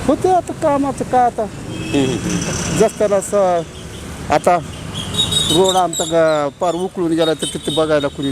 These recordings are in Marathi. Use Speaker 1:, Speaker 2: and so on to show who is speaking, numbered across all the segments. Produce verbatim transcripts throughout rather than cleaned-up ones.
Speaker 1: होते आता कामाचं काय आता जसं स आता रोड आमचा ग- पार उकळून गेला तर तिथे बघायला कुणी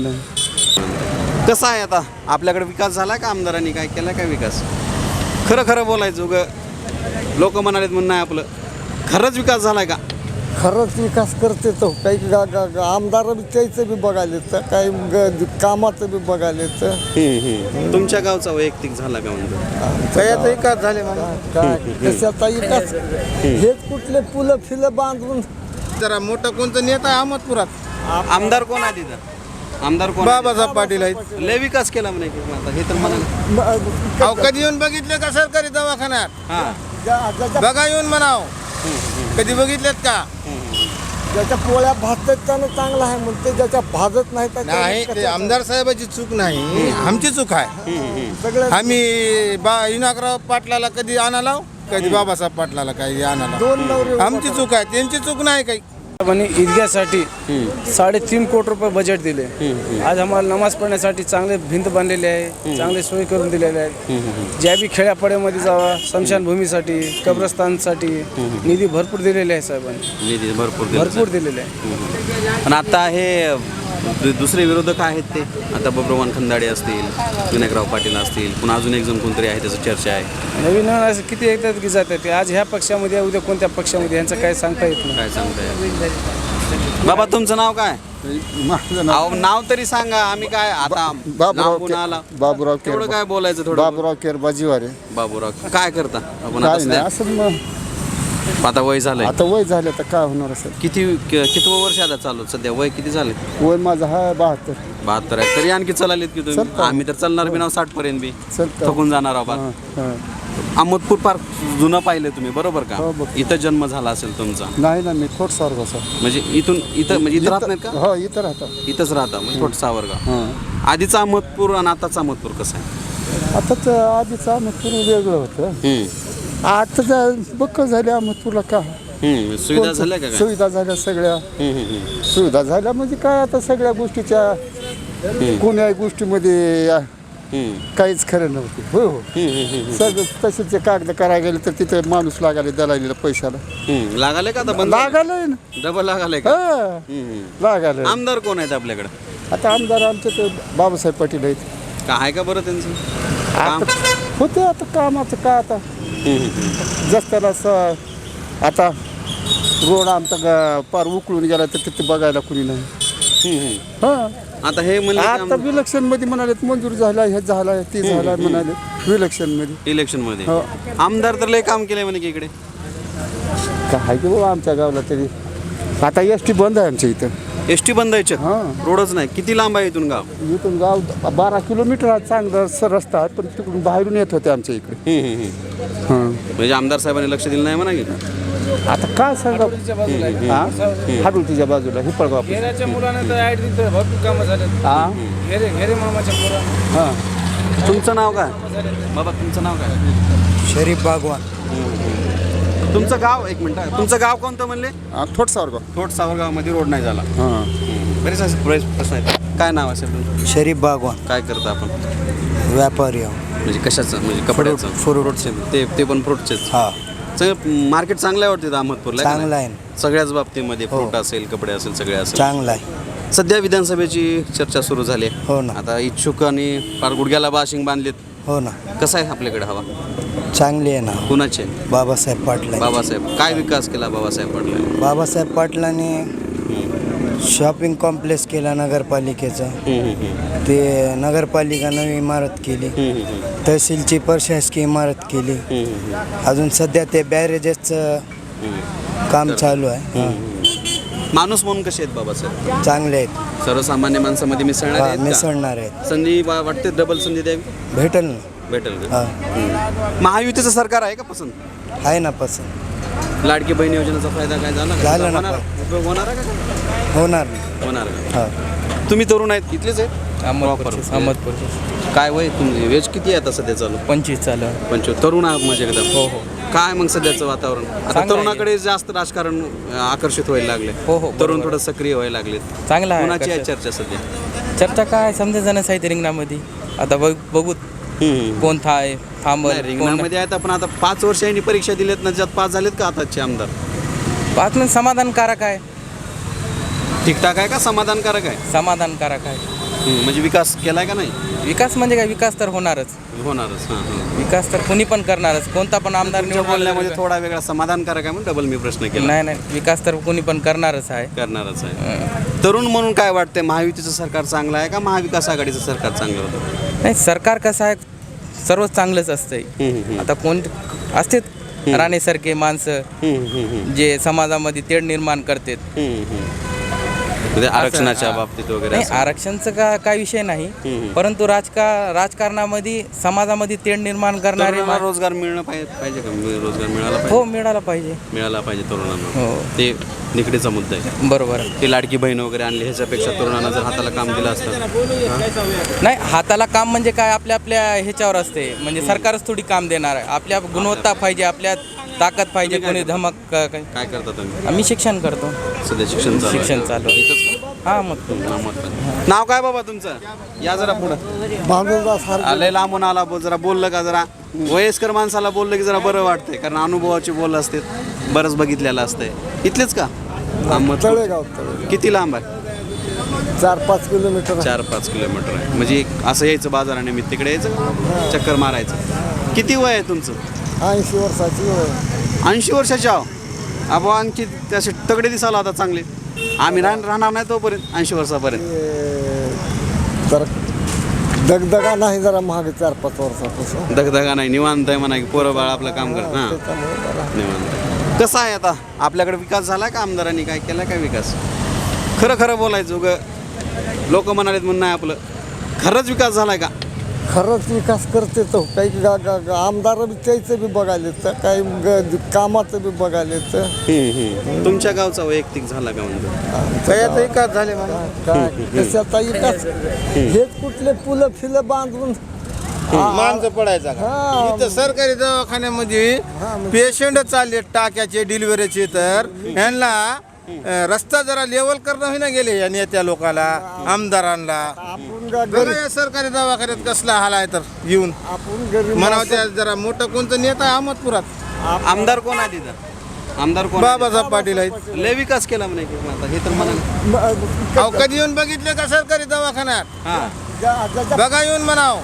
Speaker 1: नाही.
Speaker 2: कसं आहे आता आपल्याकडे विकास झाला का आमदारांनी काय केला काय विकास खरं खरं बोलायचं उगं लोक म्हणालेत म्हणून नाही आपलं खरंच विकास झालाय का
Speaker 1: खरंच विकास करते तो काही गा- गा- गा- आमदार बी त्याचं बी बघायला येतं काही ग- कामाचं बी बघायला येतं.
Speaker 2: तुमच्या गावचा वैयक्तिक झाला का म्हणतो
Speaker 1: त्याचा विकास झाले मला काय कशाचा विकास हेच कुठले फुलं फिलं बांधून
Speaker 3: जरा मोठा कोणतं नेता आहे अहमदपुरात
Speaker 2: आमदार कोण आहे तिथं आमदार कोण आहे?
Speaker 3: बाबासाहेब पाटील आहेत.
Speaker 2: लय विकास केला म्हणे की आता हे तर म्हणाले
Speaker 3: अहो कधी येऊन बघितले का सरकारी दवाखान्यात
Speaker 2: हा
Speaker 3: बघा येऊन म्हणाव कधी बघितलेत का
Speaker 1: ज्याच्या पोळ्या भाजतात त्यानं चांगला आहे म्हणते ज्याच्या भाजत नाही त्याच्यावर
Speaker 3: नाही ते
Speaker 1: कशाचं?
Speaker 3: आमदार साहेबाची चूक नाही आमची चूक आहे
Speaker 1: सगळं
Speaker 3: आम्ही बा इनाकराव पाटलाला कधी आणालाव कधी बाबासाहेब पाटलाला काही आणाला
Speaker 1: दोन नवरे
Speaker 3: आमची चूक आहे त्यांची चूक नाही काही
Speaker 4: आणि ईदगासाठी साडेतीन कोटी रुपये बजेट दिले. आज आम्हाला नमाज पढण्यासाठी चांगले भिंत बांधलेले आहे चांगले सोयी करून दिलेले आहेत. ज्या बी खेड्यापाड्यामध्ये जावा स्मशानभूमीसाठी कब्रस्तानसाठी निधी भरपूर दिलेले आहे साहेबांनी
Speaker 2: निधी भरपूर दिला
Speaker 4: भरपूर दिलेले आहे.
Speaker 2: पण आता हे दु- दुसरे विरोधक आहेत ते आता बब्रवान खंदाडे असतील विनायकराव पाटील असतील पुन्हा अजून एक जण कोणतरी आहे त्याचं चर्चा आहे
Speaker 4: नवीन नवीन असं किती येतात की जातात ते आज ह्या पक्षामध्ये उद्या कोणत्या पक्षामध्ये यांचं काय सांगता येत नाही.
Speaker 2: काय सांगताय बाबा तुमचं नाव काय
Speaker 1: माझं नाव
Speaker 2: अहो नाव तरी सांगा आम्ही काय आता
Speaker 1: बाबूराव
Speaker 2: लांबून आला
Speaker 1: के- बाबूराव
Speaker 2: तेवढं
Speaker 1: केर
Speaker 2: काय बोलायचं थोडं
Speaker 1: बाबूराव केर बाजीवारे
Speaker 2: बाबूराव काय करता आपण
Speaker 1: काय
Speaker 2: आता
Speaker 1: नाही
Speaker 2: सध्या-
Speaker 1: असं मग
Speaker 2: आता वय झालंय
Speaker 1: आता वय झालं तर काय होणार असेल
Speaker 2: किती किती वर्ष आता चालू सध्या वय किती झाले
Speaker 1: वय माझं हा बहात्तर
Speaker 2: बहात्तर आहे तरी आणखी चलालीत की तुम्ही
Speaker 1: चलता.
Speaker 2: आम्ही तर चालणार बी नाव साठ पर्यंत बी
Speaker 1: चलता.
Speaker 2: थकून जाणार आहोत
Speaker 1: हां, हां.
Speaker 2: अहमदपूर पार्क जुनं पाहिलं तुम्ही बरोबर का
Speaker 1: हो, बघ.
Speaker 2: इथं जन्म झाला असेल तुमचा
Speaker 1: नाही ना मी थोड सावरगाव
Speaker 2: म्हणजे इथून इथं म्हणजे इथं राहत नाहीत का
Speaker 1: हो इथं राहतात
Speaker 2: इथंच राहता म्हणजे थोडं सावरगाव
Speaker 1: हां
Speaker 2: आधीचा अहमदपूर आणि आताचा अहमदपूर कसं आहे
Speaker 1: आता तर आधीचं अहमदपूर वेगळं होतं
Speaker 2: हम्म.
Speaker 1: आता बक्क झाले अहमदपूरला का
Speaker 2: हम्म. सुविधा झाल्या का काय
Speaker 1: सुविधा झाल्या सगळ्या
Speaker 2: हम्म, हम्म, हम्म.
Speaker 1: सुविधा झाल्या म्हणजे काय आता सगळ्या गोष्टीच्या कोण्याही गोष्टीमध्ये आ,
Speaker 2: हम्म.
Speaker 1: काहीच खरं नव्हते हो हो
Speaker 2: हम्म, हम्म, हम्म.
Speaker 1: सगळं तसेच कागद करायला गेले तर तिथे माणूस लागायला दलालीला पैशाला
Speaker 2: हम्म. लागाले का आता बंद
Speaker 1: लागायलंय ना
Speaker 2: डबल लागाले का
Speaker 1: हा
Speaker 2: हम्म.
Speaker 1: लागायलंय
Speaker 2: आमदार कोण आहेत आपल्याकडे
Speaker 1: आता आमदार आमचे ते बाबासाहेब पाटील आहेत
Speaker 2: का आहे का बरं त्यांचं काम
Speaker 1: आता होते आता कामाचं काय आता
Speaker 2: हम्म, हम्म.
Speaker 1: जसं स आता रोड आमचा ग- पार उकळून गेला तर तिथे बघायला कुणी नाही
Speaker 2: हम्म, हम्म.
Speaker 1: हा
Speaker 2: आता हे म्हणले
Speaker 1: आता विलक्षण मध्ये म्हणाले मंजूर झाला हे झाला ते झाला म्हणाले विलक्षण मध्ये
Speaker 2: इलेक्शन मध्ये
Speaker 1: हो.
Speaker 2: आमदार तर लय काम केलंय म्हणे की इकडे
Speaker 1: काय की बाबा आमच्या गावाला तरी आता एस टी बंद आहे आमच्या इथं
Speaker 2: एस टी बंद आहे
Speaker 1: हा
Speaker 2: रोडच नाही किती लांब आहे इथून गाव
Speaker 1: इथून गाव बारा किलोमीटर हा चांगला स- रस्ता आहे पण तिकडून बाहेरून येत होते आमच्या इकडे
Speaker 2: हम्म, हम्म, हम्म.
Speaker 1: हां
Speaker 2: म्हणजे आमदार साहेबांनी लक्ष दिलं नाही म्हणा की
Speaker 1: आता काय सांगा हा हाडुलतीच्या बाजूला हिपळगाव
Speaker 4: घेऱ्याच्या मुलांना तर ऍड तिथं भरपूर कामं झाले.
Speaker 1: हा
Speaker 4: घेरे घेरे मामाच्या मुलांना
Speaker 1: हां
Speaker 2: तुमचं नाव काय बाबा तुमचं नाव काय
Speaker 3: शरीफ बागवान
Speaker 2: तुमचं गाव एक मिनिट तुमचं गाव कोणतं म्हणले
Speaker 1: थोड सावरगाव
Speaker 2: थोट सावरगावमध्ये रोड नाही झाला
Speaker 1: हां
Speaker 2: बरेच असे बरेच प्रश्न आहेत काय नाव असेल तुमचं
Speaker 3: शरीफ बागवान
Speaker 2: काय करता आपण
Speaker 3: व्यापारी
Speaker 2: म्हणजे कशाचं म्हणजे कपड्याचं
Speaker 3: फ्रूट.
Speaker 2: फ्रूटचे ते ते पण फ्रूटचेच
Speaker 3: हा
Speaker 2: सगळं मार्केट चांगलं आहे वाटतं अहमदपूरला आहे का
Speaker 3: चांगला
Speaker 2: नाही?
Speaker 3: आहे
Speaker 2: सगळ्याच बाबतीमध्ये
Speaker 3: हो.
Speaker 2: फ्रूट असेल कपडे असेल सगळे असेल
Speaker 3: चांगला आहे
Speaker 2: सध्या विधानसभेची चर्चा सुरू झाली आहे
Speaker 3: हो ना
Speaker 2: आता इच्छुक आणि फार गुडघ्याला बाशिंग बांधलेत
Speaker 3: हो ना
Speaker 2: कसं आहे आपल्याकडे हवा
Speaker 3: चांगली आहे ना
Speaker 2: कुणाचे
Speaker 3: बाबासाहेब पाटला
Speaker 2: बाबासाहेब काय विकास केला बाबासाहेब पाटलांनी
Speaker 3: बाबासाहेब पाटलांनी शॉपिंग कॉम्प्लेक्स केला नगरपालिकेचा ते नगरपालिका नवी इमारत केली तहसीलची प्रशासकीय इमारत केली अजून सध्या ते बॅरेजेसचं काम चालू आहे हा.
Speaker 2: माणूस म्हणून कसे आहेत बाबासाहेब
Speaker 3: चांगले आहेत
Speaker 2: सर्वसामान्य माणसामध्ये मिसळणार
Speaker 3: हा,
Speaker 2: आहेत का?
Speaker 3: मिसळणार आहेत
Speaker 2: संधी वा- वाटते डबल संधी द्यावी
Speaker 3: भेटल ना
Speaker 2: भेटेल का
Speaker 3: हा
Speaker 2: हम्म. महायुतीचं सरकार आहे का पसंत
Speaker 3: आहे ना पसंत
Speaker 2: लाडकी बहीण योजनेचा फायदा काय झाला का?
Speaker 3: झाला ना.
Speaker 2: होणार उपयोग होणार आहे का
Speaker 3: होणार ना
Speaker 2: होणार का
Speaker 3: हा
Speaker 2: तुम्ही तरुण आहेत इथलेच आहेत Proper.
Speaker 4: अहमदपूर
Speaker 2: काय वय तुमची वेज किती आहे आता सध्या चालू
Speaker 4: पंचवीस चालू
Speaker 2: पंचवीस तरुण आहात म्हणजे एकदम
Speaker 4: हो हो
Speaker 2: काय मग सध्याचं वातावरण आता
Speaker 4: चांगलं आहे.
Speaker 2: तरुणाकडे जास्त राजकारण अं, आकर्षित व्हायला लागले
Speaker 4: हो, हो,
Speaker 2: तरुण थोडं सक्रिय व्हायला लागलेत
Speaker 4: चांगला आहे
Speaker 2: कुणाची आहे
Speaker 4: कसं-
Speaker 2: चर्चा सध्या
Speaker 4: चर्चा काय समजा जाणं साहित्य रिंगणामध्ये आता बघ बघू कोण था आहे
Speaker 5: थांबल
Speaker 2: नाही, रिंगणामध्ये आहेत आपण आता पाच वर्षांनी परीक्षा दिल्यात ना, ज्यात पास झालेत का आताचे आमदार?
Speaker 5: पाच मिनिट समाधानकारक आहे
Speaker 2: ठीकठाक आहे का समाधानकारक आहे?
Speaker 5: समाधानकारक आहे
Speaker 2: हं, म्हणजे विकास केलाय का नाही?
Speaker 5: विकास म्हणजे काय, विकास तर होणारच.
Speaker 2: होणारच. हां हां
Speaker 5: विकास तर कुणी पण करणारच, कोणता पण आमदार
Speaker 2: तुमच्या
Speaker 5: निवडून
Speaker 2: बोलण्यामध्ये
Speaker 5: आला
Speaker 2: थोडा वेगळा समाधानकारक आहे म्हणून डबल मी प्रश्न केला.
Speaker 5: नाही नाही, विकास तर कुणी पण करणारच आहे.
Speaker 2: करणारच आहे. तरुण म्हणून काय वाटतंय, महायुतीचं सरकार चांगलं आहे का महाविकास आघाडीचं सरकार चांगलं होतं?
Speaker 5: नाही, सरकार कसं आहे, सर्वच चांगलंच असतंय.
Speaker 2: हं, हं,
Speaker 5: आता कोण असतात राणेसारखे माणसं
Speaker 2: हं, हं, हं,
Speaker 5: जे समाजामध्ये तेढ निर्माण करतात.
Speaker 2: हं, हं. म्हणजे आरक्षणाच्या
Speaker 5: हां.
Speaker 2: बाबतीत वगैरे
Speaker 5: नाही,
Speaker 2: असं.
Speaker 5: आरक्षणचं का काय विषय नाही,
Speaker 2: हम्म.
Speaker 5: परंतु राजका राजकारणामध्ये समाजामध्ये तेढ निर्माण करणारे
Speaker 2: तरुणांना
Speaker 5: मा-
Speaker 2: रोजगार मिळणं पाहिजे पाहिजे का? मिळ- रोजगार मिळाला
Speaker 5: हो,
Speaker 2: पाहिजे.
Speaker 5: मिळाला पाहिजे.
Speaker 2: मिळाला पाहिजे तरुणांना.
Speaker 5: हो.
Speaker 2: ते निकडीचा मुद्दा आहे.
Speaker 5: बरोबर आहे.
Speaker 2: ती लाडकी बहीण वगैरे आणली ह्याच्यापेक्षा तरुणांना जर हाताला काम दिलं असतं.
Speaker 5: नाही, हाताला काम म्हणजे काय, आपल्या आपल्या ह्याच्यावर असते, म्हणजे सरकारच थोडी काम देणार आहे. आपल्या गुणवत्ता पाहिजे, आपल्यात ताकद पाहिजे. कोणी धमक क- काय.
Speaker 2: काय करता तुम्ही?
Speaker 5: आम्ही शिक्षण करतो.
Speaker 2: सध्या शिक्षण चालू आहे.
Speaker 5: शिक्षण चालू आहे.
Speaker 2: इथंच का?
Speaker 5: हा, मग
Speaker 2: हा, मग काय. नाव काय बाबा तुमचं? या जरा पुढं.
Speaker 1: भांडुरदास
Speaker 2: आले लांबून आला बो- जरा बोललं का जरा वयस्कर माणसाला बोललं की जरा बरं वाटतंय, कारण अनुभवाची बोल असते, बरंच बघितलेलं असतंय. इथलेच का? अहमदपूर.
Speaker 1: तळेगाव तळे
Speaker 2: किती लांब आहे?
Speaker 1: चार पाच किलोमीटर
Speaker 2: चार पाच किलोमीटर आहे. म्हणजे एक असं यायचं बाजारानिमित्त तिकडे यायचं, चक्कर मारायचं. किती वय आहे तुमचं?
Speaker 1: ऐंशी वर्षाची वय.
Speaker 2: ऐंशी वर्षाचे आहो. अबो आणखी त्याचे तगडे दिसायला आता चांगले. आम्ही राह राहणार नाही तोपर्यंत ऐंशी वर्षापर्यंत.
Speaker 1: ते जरा दगदगा नाही, जरा महाग चार पाच वर्षापासून
Speaker 2: दगदगा नाही, निवांत आहे म्हणा की पोरं बाळ आपलं काम करत. हां,
Speaker 1: त्याच्यामुळे जरा
Speaker 2: निवांत आहे. कसं आहे आता आपल्याकडे विकास झाला का? आमदारांनी काय केला काय विकास? खरं खरं बोलायचं उगं लोक म्हणालेत म्हणून नाही, आपलं खरंच विकास झालाय का?
Speaker 1: खरंच विकास करते तो. काही गा- गा- गा- आमदार बी त्याचं बी बघायला येतं, काही ग- कामाचं बी बघायला येतं.
Speaker 2: तुमच्या गावचा वैयक्तिक झाला का म्हणतो?
Speaker 3: त्यात विकास झाले मला.
Speaker 1: काय कशाचा विकास? हेच कुठले पुलं फिलं बांधून
Speaker 3: माणसं पडायचा का?
Speaker 1: हा.
Speaker 3: इथं सरकारी दवाखान्यामध्ये पेशंट चालले टाक्याचे डिलिव्हरीचे, तर यांना अं, रस्ता जरा लेवल करणं होईना गेले या नेत्या लोकाला, आमदारांना.
Speaker 1: आपण गा-
Speaker 3: बघा
Speaker 1: गरीब
Speaker 3: या सरकारी दवाखान्यात कसला हाल आहे, तर येऊन
Speaker 1: आपण गरीब
Speaker 3: म्हणावं त्या जरा मोठं कोणतं नेता आहे अहमदपुरात.
Speaker 2: आमदार कोण आहे तिथं? आमदार कोण आहे?
Speaker 3: बाबासाहेब पाटील आहेत.
Speaker 2: लय विकास केला म्हणे की आता हे तर म्हणा.
Speaker 1: म-
Speaker 3: अहो कधी येऊन बघितले का सरकारी दवाखान्यात?
Speaker 2: हां,
Speaker 1: ज्या- ज्याच्या
Speaker 3: बघा येऊन म्हणाव,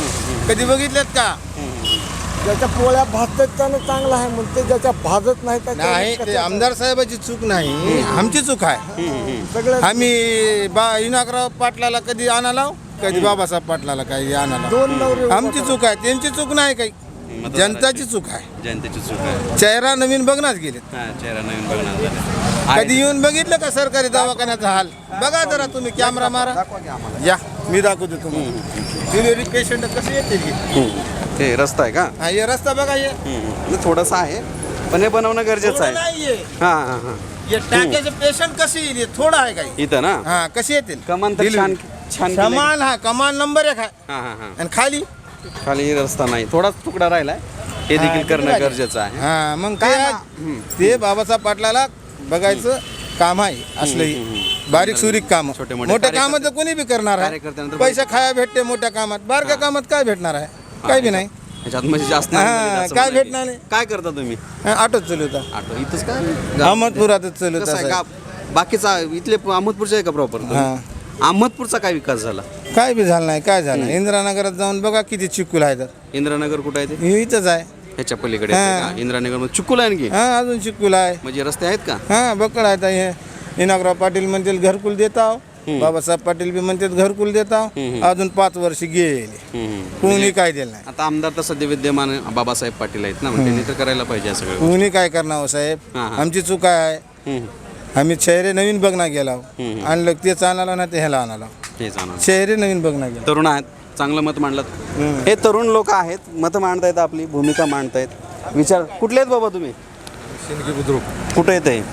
Speaker 3: कधी बघितलेत का?
Speaker 1: ज्याच्या पोळ्या भाजतात त्यानं चांगला आहे म्हणते, ज्याच्या भाजत नाही त्याच्यावर
Speaker 3: नाही, ते
Speaker 1: कशाचं-
Speaker 3: आमदार साहेबाची चूक नाही, आमची चूक आहे.
Speaker 1: सगळं
Speaker 3: आम्ही बा इनाकराव पाटलाला कधी आणालाव, कधी बाबासाहेब पाटलाला काही आणाला.
Speaker 1: दोन नवरे
Speaker 3: आमची चूक आहे, त्यांची चूक नाही काही, जनताची चूक आहे.
Speaker 2: जनतेची चूक आहे.
Speaker 3: चेहरा नवीन बघणार गेलेत.
Speaker 2: हां, चेहरा नवीन बघणार झाले.
Speaker 3: कधी येऊन बघितलं का सरकारी दवाखान्याचा हाल? बघा जरा तुम्ही, कॅमेरा मारा, या मी दाखवतो तुम्हाला. डिलिव्हरी पेशंट कसे येतील की?
Speaker 2: ते रस्ता आहे का?
Speaker 3: हा, हे रस्ता बघा, हे
Speaker 2: हम्म. थोडंसं आहे पण हे बनवणं गरजेचं आहे.
Speaker 3: नाहीये.
Speaker 2: हां हां हां.
Speaker 3: हे टाक्याचे पेशंट कसे येईल? हे थोडं आहे काही.
Speaker 2: इथं ना
Speaker 3: हा, कसे येतील?
Speaker 2: कमान तर छान छान केलंय.
Speaker 3: कमाल, हा कमाल नंबर एक आहे.
Speaker 2: हां हां हां.
Speaker 3: आणि खाली
Speaker 2: खाली रस्ता नाही, थोडाच तुकडा राहिलाय, हे देखील
Speaker 3: हा,
Speaker 2: करणं
Speaker 3: किती
Speaker 2: गरजेचं आहे.
Speaker 3: हा, मग
Speaker 2: काय
Speaker 3: काय
Speaker 2: ना?
Speaker 3: ते बाबासाहेब पाटलाला बघायचं काम आहे असलंही. बारीक सुरीक काम,
Speaker 2: छोटे-मोठे
Speaker 3: मोठ्या
Speaker 2: कार्यकर्ते-
Speaker 3: कामात तर कोणी बी करणार आहे.
Speaker 2: कार्यकर्त्यांनंतर
Speaker 3: पैसा खाया भेटते मोठ्या कामात, बारक्या कामात काय भेटणार आहे? काय बी नाही.
Speaker 2: ह्याच्यात म्हणजे जास्त
Speaker 3: हां,
Speaker 2: नाही म्हणजे असं
Speaker 3: काय
Speaker 2: म्हणा की-
Speaker 3: भेटणार नाही.
Speaker 2: काय करता तुम्ही?
Speaker 3: हा, ऑटोच चालवता.
Speaker 2: ऑटो इथंच का?
Speaker 3: अहमदपुरातच चालवत
Speaker 2: कसं आहे
Speaker 3: असं.
Speaker 2: का? बाकीचा इथले अहमदपूरचे आहे का प्रॉपर?
Speaker 3: हां.
Speaker 2: अहमदपूरचा काय विकास झाला?
Speaker 3: काय बी झालं नाही, काय झालं? इंदिरानगरात जाऊन बघा किती चिकूल आहे, तर
Speaker 2: इंदिरानगर कुठं आहे ते?
Speaker 3: हे इथंच आहे.
Speaker 2: ह्याच्या पलीकडे आहे
Speaker 3: हां.
Speaker 2: का? इंदिरानगर मध्ये चुकूल आहे आणखी?
Speaker 3: हा, अजून चिकूल आहे.
Speaker 2: म्हणजे रस्ते आहेत का?
Speaker 3: हा, बकड आहेत. हे इनाकराव पाटील म्हणतील घरकुल देता, बाबासाहेब पाटील बी म्हणतात घरकुल देता, अजून पाच वर्ष गेले,
Speaker 2: हम्म.
Speaker 3: कोणी काय दिलं नाही.
Speaker 2: आता आमदार तर सध्या विद्यमान बाबासाहेब पाटील आहेत ना, मग त्यांनी तर करायला पाहिजे सगळं.
Speaker 3: कोणी काय करणार हो साहेब?
Speaker 2: हा, हा.
Speaker 3: आमची चूक आहे. आम्ही शहरे नवीन बघणार गेला, आणलं तेच आणाला ना ते ह्याला आणाला.
Speaker 2: हे जाणार.
Speaker 3: शहरे नवीन बघणार गेला.
Speaker 2: तरुण आहेत, चांगलं मत मांडलं. हे तरुण लोक आहेत, मत मांडतायत, आपली भूमिका मांडतायत. विचार कुठले आहेत बाबा तुम्ही?
Speaker 6: शिंदगी बुद्रुक
Speaker 2: कुठे येत आहे?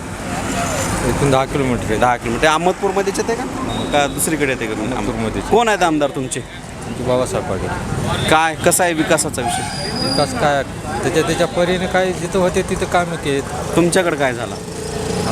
Speaker 6: इथून दहा किलोमीटर आहे.
Speaker 2: दहा किलोमीटर. अहमदपूरमध्येच येते का का दुसरीकडे येते का?
Speaker 6: अहमदपूरमध्येच.
Speaker 2: कोण आहेत आमदार तुमचे?
Speaker 6: बाबासाहेब पाटील.
Speaker 2: काय कसा आहे विकासाचा विषय?
Speaker 6: विकास काय त्याच्या त्याच्या परीने काय जिथं होते तिथं कामं केत.
Speaker 2: तुमच्याकडे काय झाला?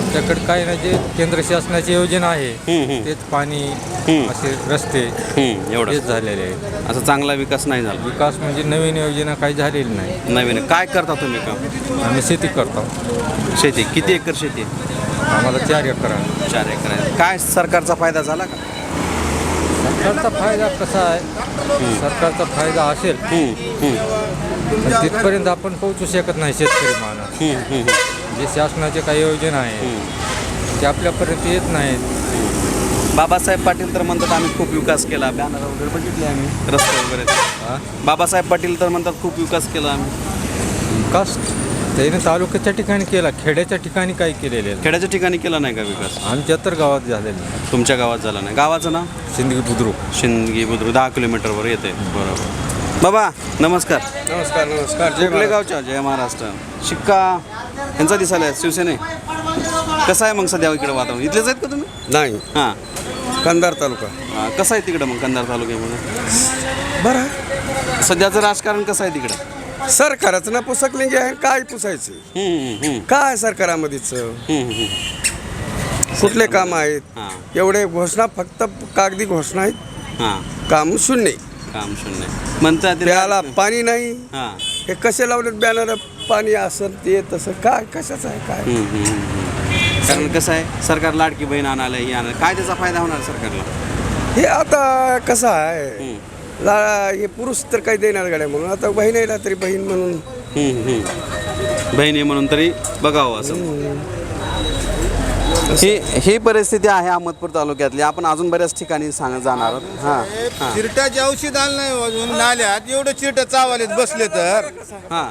Speaker 6: आमच्याकडे काय ना जे केंद्र शासनाची योजना आहे
Speaker 2: हम्म, हम्म.
Speaker 6: तेच पाणी
Speaker 2: हम्म.
Speaker 6: असे रस्ते
Speaker 2: हम्म, एवढं
Speaker 6: तेच झालेले आहेत.
Speaker 2: असं चांगला विकास नाही झाला.
Speaker 6: विकास म्हणजे नवीन योजना काही झालेली नाही.
Speaker 2: नवीन काय करता तुम्ही काम?
Speaker 6: आम्ही शेती करतो.
Speaker 2: शेती किती एकर शेती आहे?
Speaker 6: आम्हाला चार एकर आहे.
Speaker 2: चार एकर आहे. काय सरकारचा फायदा झाला का?
Speaker 6: सरकारचा फायदा कसा आहे, सरकारचा फायदा असेल
Speaker 2: हम्म, हम्म,
Speaker 6: पण तिथपर्यंत आपण पोहोचू शकत नाही शेतकरी माणूस.
Speaker 2: हम्म, हम्म,
Speaker 6: जे शासनाचे काही योजना आहेत ते आपल्यापर्यंत येत नाहीत.
Speaker 2: बाबासाहेब पाटील तर म्हणतात आम्ही खूप विकास केला, बॅनर वगैरे बघितले आम्ही, रस्ते वगैरे.
Speaker 6: हा?
Speaker 2: बाबासाहेब पाटील तर म्हणतात खूप विकास केला आम्ही.
Speaker 6: विकास त्याने तालुक्याच्या ठिकाणी केला, खेड्याच्या ठिकाणी काही केलेले आहे.
Speaker 2: खेड्याच्या ठिकाणी केला नाही का विकास?
Speaker 6: आमच्या तर गावात झालेलं नाही.
Speaker 2: तुमच्या गावात झाला नाही. गावाचं नाव?
Speaker 6: सिंदगी बुद्रुक.
Speaker 2: शिंदगी बुद्रुक, दहा किलोमीटरवर येते. बरोबर. बाबा नमस्कार.
Speaker 3: नमस्कार नमस्कार
Speaker 2: कुठल्या गावच्या? जय महाराष्ट्र. शिक्का यांचा दिसायला आहे, शिवसेने. कसं आहे मग सध्या इकडे वातावरण? इथलेच आहेत का तुम्ही?
Speaker 3: नाही
Speaker 2: हां.
Speaker 3: कंधार तालुका
Speaker 2: हां, कसं आहे तिकडं मग कंधार तालुक्यामध्ये?
Speaker 3: बरं
Speaker 2: सध्याचं राजकारण कसं आहे तिकडं?
Speaker 3: सरकारचं ना पुसक लिंगे आहे काय पुसायचं
Speaker 2: हम्म, हम्म,
Speaker 3: काय सरकारामध्येच
Speaker 2: हम्म, हम्म.
Speaker 3: कुठले काम आहेत
Speaker 2: हां
Speaker 3: एवढे घोषणा फक्त कागदी घोषणा आहेत
Speaker 2: हां,
Speaker 3: काम शून्य
Speaker 2: काम शून्य म्हणतात ते-
Speaker 3: प्याला पाणी नाही
Speaker 2: हां.
Speaker 3: हे कसे लावलेत बॅनर पाणी असं ते तसं काय कशाचं आहे काय
Speaker 2: हम्म, हम्म, हम्म. कारण कसं आहे सरकार लाडकी बहीण आणायला ही आणायला काय त्याचा फायदा होणार सरकारला?
Speaker 3: हे आता कसं आहे
Speaker 2: हम्म,
Speaker 3: ला- हे पुरुष तर काही देणार गाड्या म्हणून आता बहीण आहे ना तरी बहीण म्हणून
Speaker 2: हम्म, हम्म. बहिणी म्हणून तरी बघावं असं. ही ही परिस्थिती आहे अहमदपूर तालुक्यातली. आपण अजून बऱ्याच ठिकाणी सांग जाणार आहोत. हां हां
Speaker 3: चिरट्याचे औषध आलं नाही अजून नाल्यात एवढे चिरट चावलेत बसले तर
Speaker 2: हां.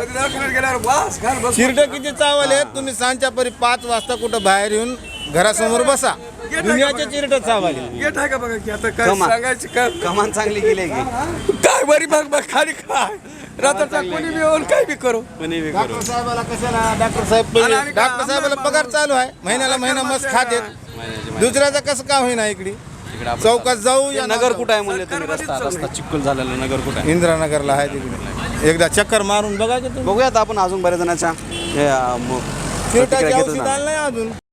Speaker 3: चिरट किती चावलेत तुम्ही सांच्या परी पाच वाजता कुठं बाहेर येऊन घरासमोर बसा दुनियाचे चिरट चावले गेट आहे का बघा की आता काय
Speaker 2: कमा-
Speaker 3: सांगायचं काय
Speaker 2: कमान चांगली केली की
Speaker 3: काय बरी बघ बघ खाली काय रात्रचा कोणी बी येऊन काय बी करो
Speaker 2: कोणी बी करू.
Speaker 3: साहेबाला कशाला डॉक्टर साहेब डॉक्टर साहेबाला पगार चालू आहे महिन्याला महिना मस्त खाते दुसऱ्याचं कसं का होईना इकडे
Speaker 2: इकडे आपण-
Speaker 3: चौकात जाऊ
Speaker 2: ते
Speaker 3: या
Speaker 2: नगर कुठं आहे म्हणले तुम्ही? रस्ता रस्ता चिखल झालेला नगर कुठं आहे?
Speaker 3: इंदिरानगरला आहे तिकडे एकदा चक्कर मारून बघा की तुम्ही
Speaker 2: बघूयात आपण अजून बऱ्याच जणांच्या हे, अं, म-
Speaker 3: चिरटाचे
Speaker 2: प्रतिक्रिया घेतच
Speaker 3: औषध
Speaker 2: जाणार.
Speaker 3: आलं नाही अजून